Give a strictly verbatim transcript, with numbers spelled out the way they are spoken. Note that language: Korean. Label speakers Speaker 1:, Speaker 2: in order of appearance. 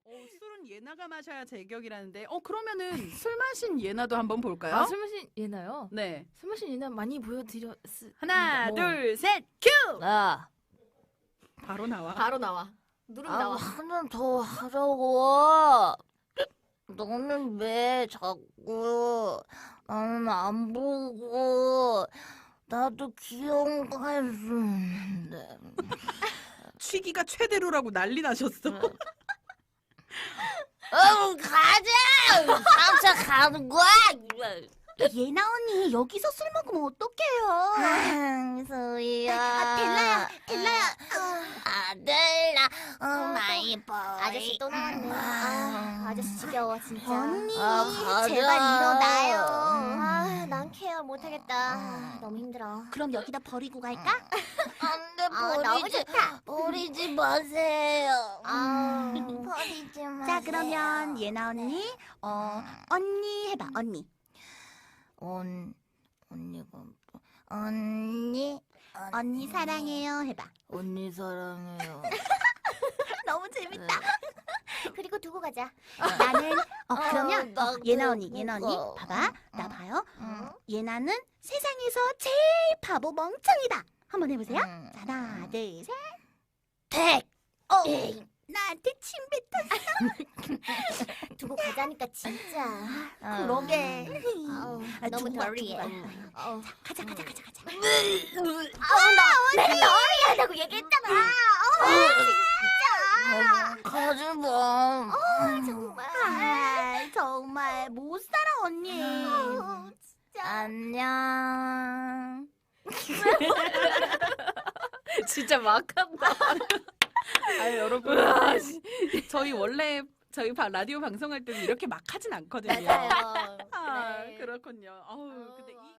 Speaker 1: 어, 술은 예나가 마셔야 제격이라는데, 어 그러면은 술 마신 예나도 한번 볼까요?
Speaker 2: 아, 술 마신 예나요?
Speaker 1: 네.
Speaker 2: 술 마신 예나 많이 보여드렸.
Speaker 1: 하나,
Speaker 2: 뭐.
Speaker 1: 둘, 셋, 큐!
Speaker 2: 아,
Speaker 1: 바로 나와.
Speaker 3: 바로 나와. 누르면
Speaker 2: 아,
Speaker 3: 나와.
Speaker 2: 하나 더 하자고. 너는 왜 자꾸 나는 안 보고 나도 귀여운 거 할 수 있는데.
Speaker 1: 취기가 최대로라고 난리 나셨어.
Speaker 2: 응, 가자! 삼차 가는 거야!
Speaker 4: 예나 언니 여기서 술 먹으면 어떡해요?
Speaker 2: 소희야.
Speaker 4: 아, 델라야, 델라야.
Speaker 2: 아들라, 어, 마이 보이.
Speaker 3: 아저씨 또 나왔네. 아, 아저씨 지겨워 진짜.
Speaker 4: 언니
Speaker 2: 아, 가자.
Speaker 4: 제발 일어나요.
Speaker 3: 아, 난 케어 못하겠다. 아, 너무 힘들어.
Speaker 4: 그럼 여기다 버리고 갈까?
Speaker 2: 안돼,
Speaker 3: 아, 너무
Speaker 2: 버리지,
Speaker 3: 좋다.
Speaker 2: 버리지 마세요.
Speaker 3: 아,
Speaker 2: 버리지 마세요.
Speaker 4: 자 그러면 예나 언니 어 언니 해봐 언니.
Speaker 2: 언, 언니가, 또- 언니,
Speaker 4: 언니 사랑해요 해봐.
Speaker 2: 언니 사랑해요.
Speaker 4: 너무 재밌다.
Speaker 3: 그리고 두고 가자.
Speaker 4: 나는 어 그러면
Speaker 2: 나
Speaker 4: 어, 예나 언니 예나 언니
Speaker 2: 그거.
Speaker 4: 봐봐 나
Speaker 2: 응.
Speaker 4: 봐요.
Speaker 2: 응.
Speaker 4: 예나는 세상에서 제일 바보 멍청이다. 한번 해보세요.
Speaker 2: 응.
Speaker 4: 자, 하나 둘 셋.
Speaker 2: 백.
Speaker 4: 어
Speaker 2: 에이.
Speaker 4: 나한테 침 뱉었어.
Speaker 3: 두고 가자니까 진짜.
Speaker 4: 그러게.
Speaker 3: 아우,
Speaker 4: 아,
Speaker 3: 너무
Speaker 4: 두고 가,
Speaker 3: 덜리해.
Speaker 4: 두고 가.
Speaker 3: 어.
Speaker 4: 가자 가자 가자 가자.
Speaker 3: 아, 나 내가 너리 하다고 얘기했잖아. 어, 진짜.
Speaker 2: 가지 마.
Speaker 3: 어, 정말.
Speaker 4: 아, 정말 못 살아 언니.
Speaker 3: 어, 진짜.
Speaker 2: 안녕.
Speaker 1: 진짜 막한다. 아 여러분, 저희 원래 저희 바- 라디오 방송할 때는 이렇게 막 하진 않거든요.
Speaker 3: 맞아요.
Speaker 1: 아,
Speaker 3: 네.
Speaker 1: 그렇군요. 어우, 근데 이